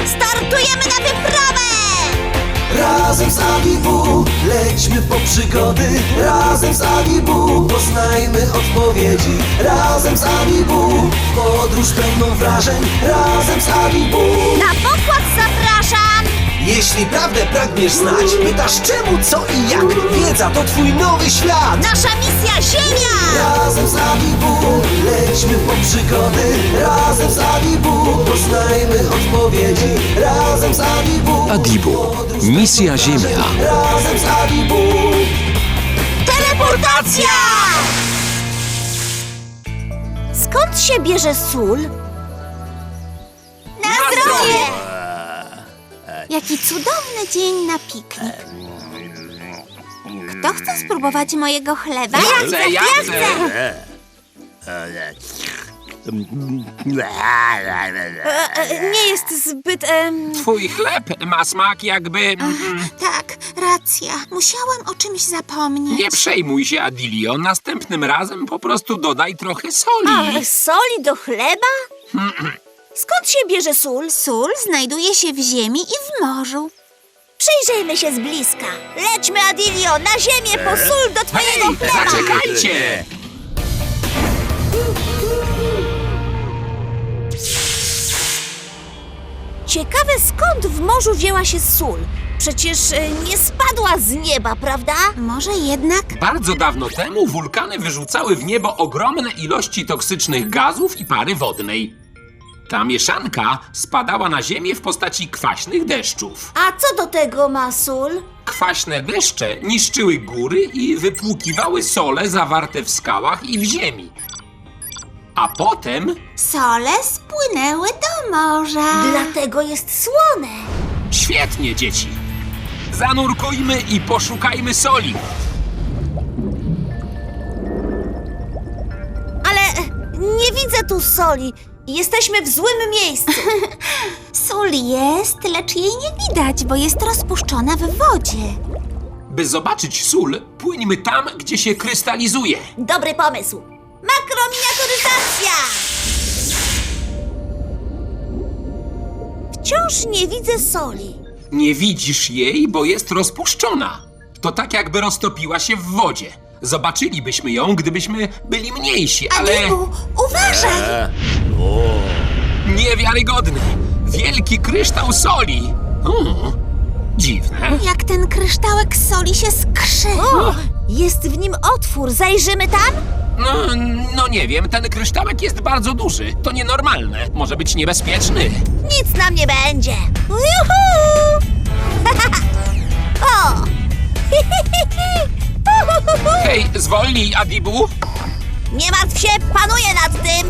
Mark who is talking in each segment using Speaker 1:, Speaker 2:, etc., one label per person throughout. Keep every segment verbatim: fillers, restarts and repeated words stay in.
Speaker 1: Startujemy na wyprawę!
Speaker 2: Razem z Adibu lećmy po przygody. Razem z Adibu poznajmy odpowiedzi. Razem z Adibu podróż pełną wrażeń. Razem z Adibu.
Speaker 1: Na pokład zapraszam!
Speaker 2: Jeśli prawdę pragniesz znać, pytasz czemu, co i jak. Wiedza to twój nowy świat.
Speaker 1: Nasza misja Ziemia!
Speaker 2: Razem z Adibu lećmy po przygody. Razem z Adibu poznajmy odpowiedzi. Razem z Adibu.
Speaker 3: Adibu. Misja Ziemia.
Speaker 2: Razem z Adibu.
Speaker 1: Teleportacja! Skąd się bierze sól? Na zdrowie! Jaki cudowny dzień na piknik. Kto chce spróbować mojego chleba?
Speaker 4: Ja chcę, ja chcę!
Speaker 1: E, e, nie jest zbyt... em,
Speaker 4: Twój chleb ma smak jakby... mm,
Speaker 1: Tak, racja. Musiałam o czymś zapomnieć.
Speaker 4: Nie przejmuj się, Adilio. Następnym razem po prostu dodaj trochę soli.
Speaker 1: Ale soli do chleba? Skąd się bierze sól? Sól znajduje się w ziemi i w morzu. Przyjrzyjmy się z bliska. Lećmy, Adilio, na ziemię po sól do twojego
Speaker 4: Hej,
Speaker 1: chleba!
Speaker 4: zaczekajcie!
Speaker 1: Ciekawe, skąd w morzu wzięła się sól? Przecież e, nie spadła z nieba, prawda? Może jednak...
Speaker 4: Bardzo dawno temu wulkany wyrzucały w niebo ogromne ilości toksycznych gazów i pary wodnej. Ta mieszanka spadała na ziemię w postaci kwaśnych deszczów.
Speaker 1: A co do tego ma sól?
Speaker 4: Kwaśne deszcze niszczyły góry i wypłukiwały sole zawarte w skałach i w ziemi. A potem
Speaker 1: Sole spłynęły do morza. Dlatego jest słone.
Speaker 4: świetnie, dzieci. Zanurkujmy i poszukajmy soli.
Speaker 1: Ale nie widzę tu soli. Jesteśmy w złym miejscu. Sól jest, lecz jej nie widać, bo jest rozpuszczona w wodzie.
Speaker 4: By zobaczyć sól, płyńmy tam, gdzie się krystalizuje.
Speaker 1: Dobry pomysł. Makrominiaturyzacja! Wciąż nie widzę soli.
Speaker 4: Nie widzisz jej, bo jest rozpuszczona. To tak, jakby roztopiła się w wodzie. Zobaczylibyśmy ją, gdybyśmy byli mniejsi, ale...
Speaker 1: Adibu, uważaj!
Speaker 4: Niewiarygodny! Wielki kryształ soli! Hmm, dziwne.
Speaker 1: Jak ten kryształek soli się skrzy. O, jest w nim otwór. Zajrzymy tam?
Speaker 4: No, no nie wiem, ten kryształek jest bardzo duży. To nienormalne. Może być niebezpieczny.
Speaker 1: Nic nam nie będzie. Juhu! o!
Speaker 4: Hej, zwolnij, Adibu!
Speaker 1: Nie martw się, panuję nad tym.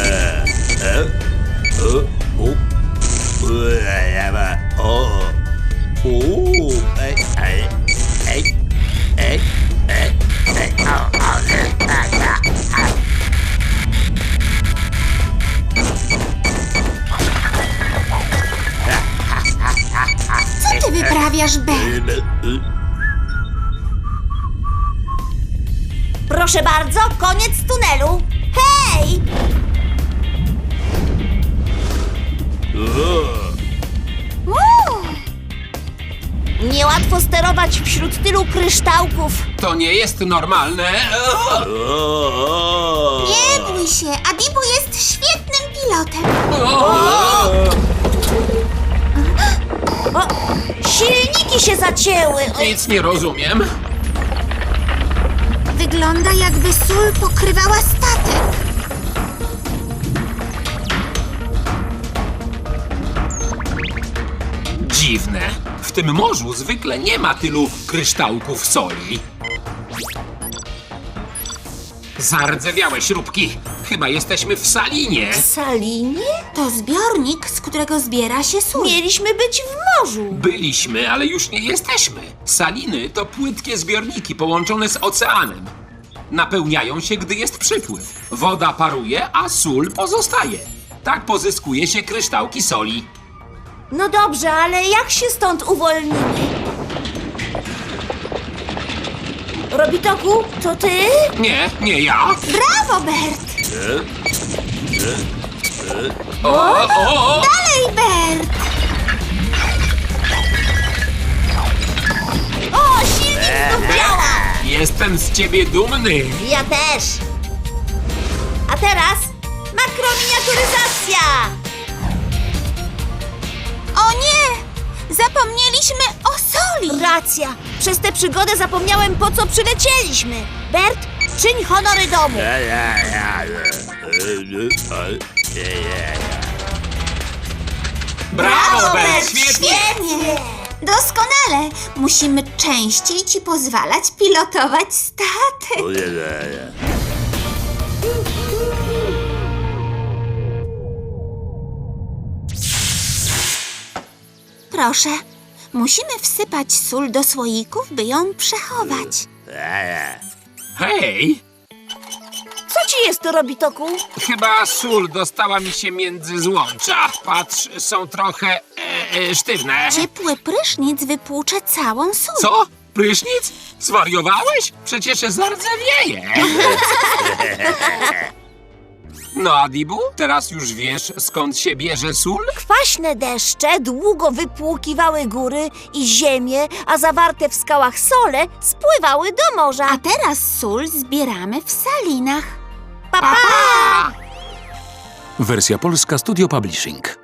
Speaker 1: Co ty wyprawiasz, Bert? Proszę bardzo, koniec tunelu. Hej! Uuu. Niełatwo sterować wśród tylu kryształków.
Speaker 4: To nie jest normalne.
Speaker 1: Nie bój się, Adibu jest świetnym pilotem. O, silniki się zacięły.
Speaker 4: Nic nie rozumiem.
Speaker 1: Wygląda, jakby sól pokrywała statek.
Speaker 4: Dziwne. W tym morzu zwykle nie ma tylu kryształków soli. Zardzewiałe śrubki. Chyba jesteśmy w salinie.
Speaker 1: W salinie? To zbiornik, z którego zbiera się sól. Mieliśmy być w morzu.
Speaker 4: Byliśmy, ale już nie jesteśmy. Saliny to płytkie zbiorniki połączone z oceanem. Napełniają się, gdy jest przypływ. Woda paruje, a sól pozostaje. Tak pozyskuje się kryształki soli.
Speaker 1: No dobrze, ale jak się stąd uwolnimy? Robitoku, to ty?
Speaker 4: Nie, nie ja.
Speaker 1: Brawo, Bert!
Speaker 4: O, o, o.
Speaker 1: Dalej, Bert!
Speaker 4: Jestem z ciebie dumny.
Speaker 1: Ja też. A teraz makrominiaturyzacja. O nie! Zapomnieliśmy o soli. Racja. Przez tę przygodę zapomniałem, po co przylecieliśmy. Bert, czyń honory domu.
Speaker 4: Brawo, Bert, świetnie.
Speaker 1: Doskonale. Musimy częściej ci pozwalać pilotować statek. Proszę, musimy wsypać sól do słoików, by ją przechować.
Speaker 4: Hej,
Speaker 1: Co ci jest, Robitoku?
Speaker 4: chyba sól dostała mi się między złącza. Patrz, są trochę e, e, sztywne.
Speaker 1: Ciepły prysznic wypłucze całą sól.
Speaker 4: Co? Prysznic? Zwariowałeś? Przecież zardzewieje. No, Adibu, teraz już wiesz, skąd się bierze sól?
Speaker 1: Kwaśne deszcze długo wypłukiwały góry i ziemię, a zawarte w skałach sole spływały do morza. A teraz sól zbieramy w salinach. Pa, pa!
Speaker 3: Wersja polska Studio Publishing.